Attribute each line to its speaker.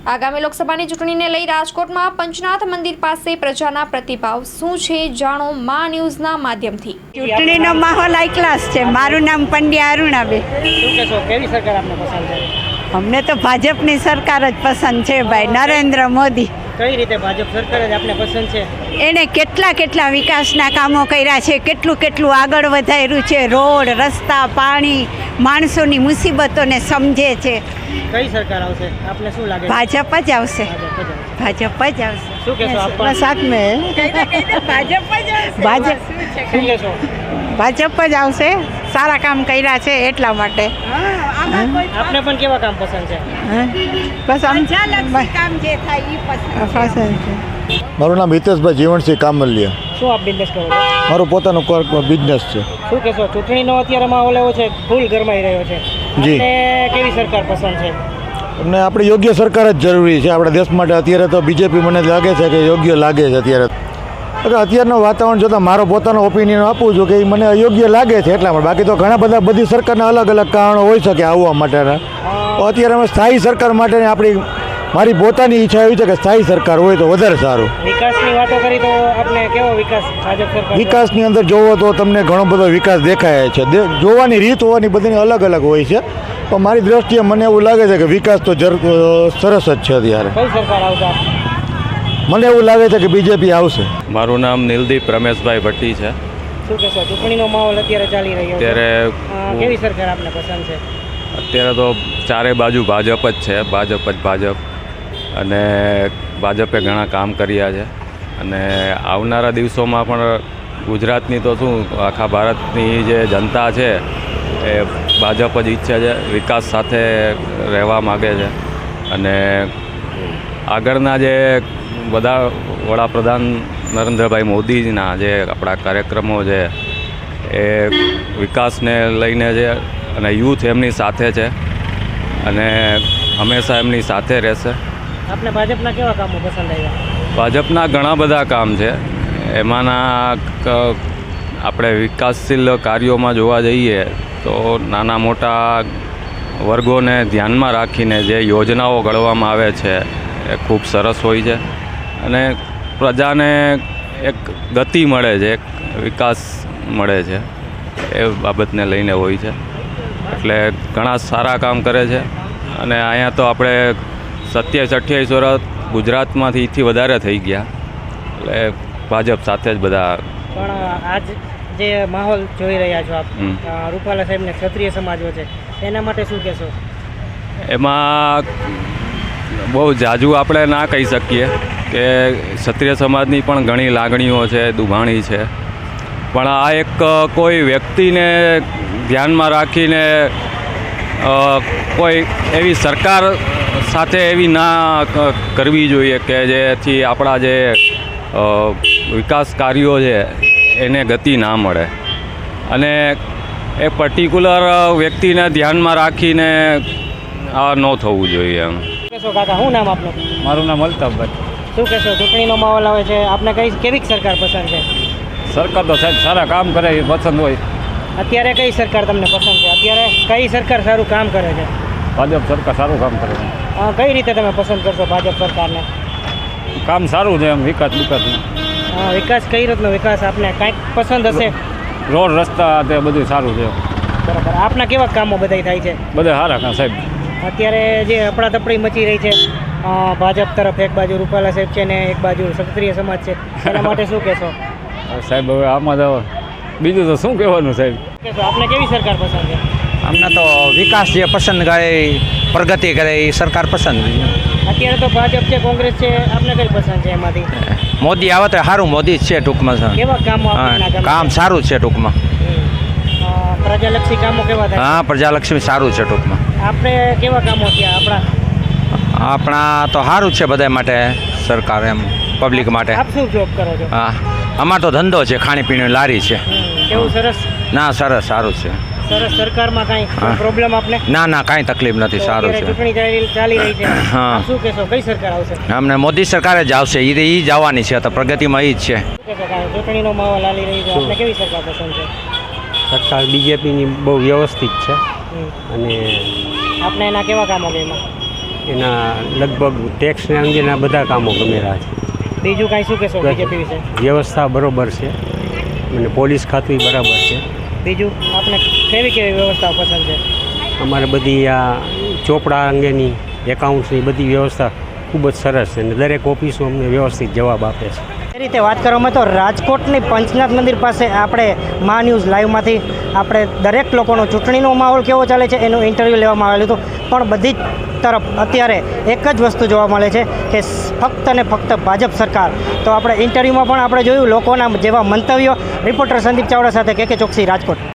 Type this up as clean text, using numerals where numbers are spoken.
Speaker 1: આગામી લોકસભાની ચૂંટણીને લઈ રાજકોટમાં પંચનાથ મંદિર પાસે પ્રજાના પ્રતિભાવ શું છે જાણો મા ન્યૂઝના માધ્યમથી।
Speaker 2: ચૂંટણીનો માહોલ હાઈ ક્લાસ છે। મારું નામ પંડ્યા અરુણાબેન।
Speaker 3: શું કહેશો કેવી સરકાર આપને પસંદ છે?
Speaker 2: અમને તો ભાજપની સરકાર જ પસંદ છે ભાઈ, નરેન્દ્ર મોદી।
Speaker 3: કઈ રીતે ભાજપ સરકાર જ આપને પસંદ છે?
Speaker 2: એને કેટલા વિકાસના કામો કર્યા છે, કેટલું આગળ વધાર્યું છે। રોડ, રસ્તા, પાણી, માણસોની મુસીબતોને સમજે છે।
Speaker 3: કઈ સરકાર આવશે આપને શું લાગે?
Speaker 2: ભાજપ જ આવશે, ભાજપ જ આવશે।
Speaker 3: શું કહેશો આપ?
Speaker 2: બસ આપને ભાજપ જ આવશે, ભાજપ
Speaker 3: શું કહેશો?
Speaker 2: ભાજપ જ આવશે। સારા કામ કર્યા છે એટલા માટે।
Speaker 3: આપને પણ કેવા કામ પસંદ છે?
Speaker 2: બસ કામ જે થાય એ પસંદ છે।
Speaker 4: મારું નામ હિતેશભાઈ જીવણસિંહ કામલિયા।
Speaker 3: શું આપ બિઝનેસ કરો છો?
Speaker 4: મારું પોતાનું બિઝનેસ છે।
Speaker 3: શું કહેશો ચૂંટણીનો અત્યારે માહોલ એવો છે, ફૂલ ગરમાઈ રહ્યો છે,
Speaker 4: જી।
Speaker 3: આપને કેવી સરકાર પસંદ છે?
Speaker 4: અમને આપણી યોગ્ય સરકાર જ જરૂરી છે આપણા દેશ માટે। અત્યારે તો બીજેપી મને લાગે છે કે યોગ્ય લાગે છે અત્યારે। અત્યારનું વાતાવરણ જોતાં મારો પોતાનો ઓપિનિયન આપું છું કે એ મને અયોગ્ય લાગે છે એટલા માટે। બાકી તો ઘણા બધા બધી સરકારના અલગ અલગ કારણો હોઈ શકે આવવા માટેના। અત્યારે અમે સ્થાયી સરકાર માટે મારી પોતાની ઈચ્છા એવી છે કે સ્થાયી સરકાર હોય તો વધારે સારું।
Speaker 3: વિકાસની વાતો કરી તો આપને કેવો વિકાસ ભાજપ સરકાર?
Speaker 4: વિકાસની અંદર જોવો તો તમને ઘણો બધો વિકાસ દેખાય છે। જોવાની રીત હોવાની બધીની અલગ અલગ હોય છે, પણ મારી દ્રષ્ટિએ મને એવું લાગે છે કે વિકાસ તો સરસ જ છે અત્યારે।
Speaker 3: કઈ સરકાર આવશે?
Speaker 4: મને એવું લાગે છે કે બીજેપી આવશે।
Speaker 5: મારું નામ નીલદીપ રમેશભાઈ ભટ્ટી છે।
Speaker 3: શું કહેશો ચૂંટણીનો માહોલ અત્યારે ચાલી રહ્યો છે,
Speaker 5: અત્યારે
Speaker 3: કેવી સરકાર આપને પસંદ છે?
Speaker 5: અત્યારે તો ચારે બાજુ ભાજપ જ છે, ભાજપ અને ભાજપે ઘણા કામ કર્યા છે અને આવનારા દિવસોમાં પણ ગુજરાતની તો શું આખા ભારતની જે જનતા છે એ ભાજપ જ ઈચ્છે છે, વિકાસ સાથે રહેવા માગે છે અને આગળના જે બધા વડાપ્રધાન નરેન્દ્રભાઈ મોદીના જે આપણા કાર્યક્રમો છે એ વિકાસને લઈને છે અને યુથ એમની સાથે છે અને હંમેશા એમની સાથે રહેશે।
Speaker 3: આપને ભાજપના કેવા કામો પસંદ આવ્યા?
Speaker 5: ભાજપના ઘણા બધા કામ છે, એમાંના આપણે વિકાસશીલ કાર્યોમાં જોવા જઈએ તો નાના મોટા વર્ગોને ધ્યાનમાં રાખીને જે યોજનાઓ ઘડવામાં આવે છે એ ખૂબ સરસ હોય છે અને પ્રજાને એક ગતિ મળે છે, એક વિકાસ મળે છે, એ બાબતને લઈને હોય છે। એટલે ઘણા સારા કામ કરે છે અને અહીંયા તો આપણે 27-28 વર્ષ ગુજરાતમાંથી વધારે થઈ ગયા એટલે ભાજપ સાથે જ બધા।
Speaker 3: પણ આજ જે માહોલ જોઈ રહ્યા છો આપ, રૂપાલા સાહેબને ક્ષત્રિય સમાજો છે એના માટે શું કહેશો?
Speaker 5: એમાં બહુ જાજુ આપણે ના કહી શકીએ કે ક્ષત્રિય સમાજની પણ ઘણી લાગણીઓ છે, દુભાણી છે, પણ આ એક કોઈ વ્યક્તિને ધ્યાનમાં રાખીને કોઈ એવી સરકાર સાથે એવી ના કરવી જોઈએ કે જેથી આપણા જે વિકાસ કાર્યો છે એને ગતિ ના મળે અને એ પર્ટિક્યુલર વ્યક્તિને ધ્યાનમાં રાખીને આ ન થવું જોઈએ એમ।
Speaker 3: કહેશો કાકા, શું નામ આપનું?
Speaker 6: મારું નામ અલ્તાફભાઈ।
Speaker 3: શું કહેશો ચૂંટણીનો માહોલ આવે છે, આપને કેવી સરકાર પસંદ છે?
Speaker 6: સરકાર તો સાહેબ સારા કામ કરે એ પસંદ હોય।
Speaker 3: અત્યારે કઈ સરકાર તમને પસંદ છે? અત્યારે કઈ સરકાર સારું કામ કરે છે?
Speaker 6: ભાજપ સરકાર સારું કામ કરે છે।
Speaker 3: કઈ રીતે તમે પસંદ કરશો ભાજપ સરકારને?
Speaker 6: કામ સારું છે એમ, વિકાસ
Speaker 3: વિકાસ કઈ રીતનો વિકાસ આપને કાંઈક પસંદ હશે?
Speaker 6: રોડ રસ્તા તે બધું સારું છે।
Speaker 3: બરાબર, આપના કેવા કામો બધા થાય છે?
Speaker 6: બધા સારા કામ સાહેબ।
Speaker 3: અત્યારે જે અફડાતફડી મચી રહી છે ભાજપ તરફ, એક બાજુ રૂપાલા સાહેબ છે ને એક બાજુ ક્ષત્રિય સમાજ છે, એના માટે શું કહેશો?
Speaker 6: સાહેબ હવે આમાં તો બીજું તો શું કહેવાનું સાહેબ?
Speaker 3: આપને કેવી સરકાર પસંદ છે?
Speaker 7: અમને તો વિકાસ જે પસંદ કરે, પ્રગતિ કરે એ સરકાર પસંદ।
Speaker 3: અત્યારે તો ભાજપ છે, કોંગ્રેસ છે, આપને કઈ પસંદ છે એમાંથી?
Speaker 7: મોદી આવે તો સારું, મોદી જ છે ટૂંકમાં।
Speaker 3: કેવા કામો
Speaker 7: કામ સારું છે ટૂંકમાં।
Speaker 3: પ્રજાલક્ષી કામો કેવા થાય?
Speaker 7: હા, પ્રજાલક્ષ્મી સારું છે ટૂંકમાં।
Speaker 3: આપણે કેવા કામો થયા
Speaker 7: આપણા તો સારું છે બધા માટે, સરકાર એમ પબ્લિક માટે।
Speaker 3: આપ શું જોબ કરો છો?
Speaker 7: હા, અમાર તો ધંધો છે, ખાણીપીણી લારી છે।
Speaker 3: કેવું સરસ?
Speaker 7: ના સરસ, સારું છે
Speaker 3: સરસ। સરકારમાં કાંઈ પ્રોબ્લેમ આપને?
Speaker 7: ના કાંઈ તકલીફ નથી, સારું છે।
Speaker 3: ચૂંટણી ચાલી રહી છે,
Speaker 7: હા,
Speaker 3: શું કહેશો કઈ સરકાર આવશે?
Speaker 7: અમને મોદી સરકાર જ આવશે, એ જ આવવાની છે, તો પ્રગતિમાં એ જ છે।
Speaker 3: ચૂંટણીનો માહોલ ચાલી રહી છે, આપને કેવી સરકાર પસંદ છે?
Speaker 8: સરકાર બીજેપીની બહુ વ્યવસ્થિત છે અને
Speaker 3: આપને એના કેવા કામો ગમ્યા?
Speaker 8: એના લગભગ ટેક્સને અંગેના બધા કામો ગમેરા છે.
Speaker 3: બીજું કાંઈ શું કહેશો બીજેપી વિશે?
Speaker 8: વ્યવસ્થા બરોબર છે અને પોલીસ ખાતું બરાબર છે.
Speaker 3: બીજું આપણે કેવી કેવી વ્યવસ્થા પસંદ છે?
Speaker 8: અમારે બધી આ ચોપડા અંગેની એકાઉન્ટ્સની બધી વ્યવસ્થા ખૂબ જ સરસ છે અને દરેક ઓફિસો અમને વ્યવસ્થિત જવાબ આપે છે.
Speaker 3: એ રીતે વાત કરવામાં તો રાજકોટની પંચનાથ મંદિર પાસે આપણે મા ન્યૂઝ લાઈવમાંથી આપણે દરેક લોકોનો ચૂંટણીનો માહોલ કેવો ચાલે છે એનું ઇન્ટરવ્યૂ લેવામાં આવેલું હતું, પણ બધી જ તરફ અત્યારે એક જ વસ્તુ જોવા મળે છે કે ફક્ત ને ફક્ત ભાજપ સરકાર. તો આપણે ઇન્ટરવ્યૂમાં પણ આપણે જોયું લોકોના જેવા મંતવ્યો. રિપોર્ટર સંદીપ ચાવડા સાથે કે ચોકસી, રાજકોટ.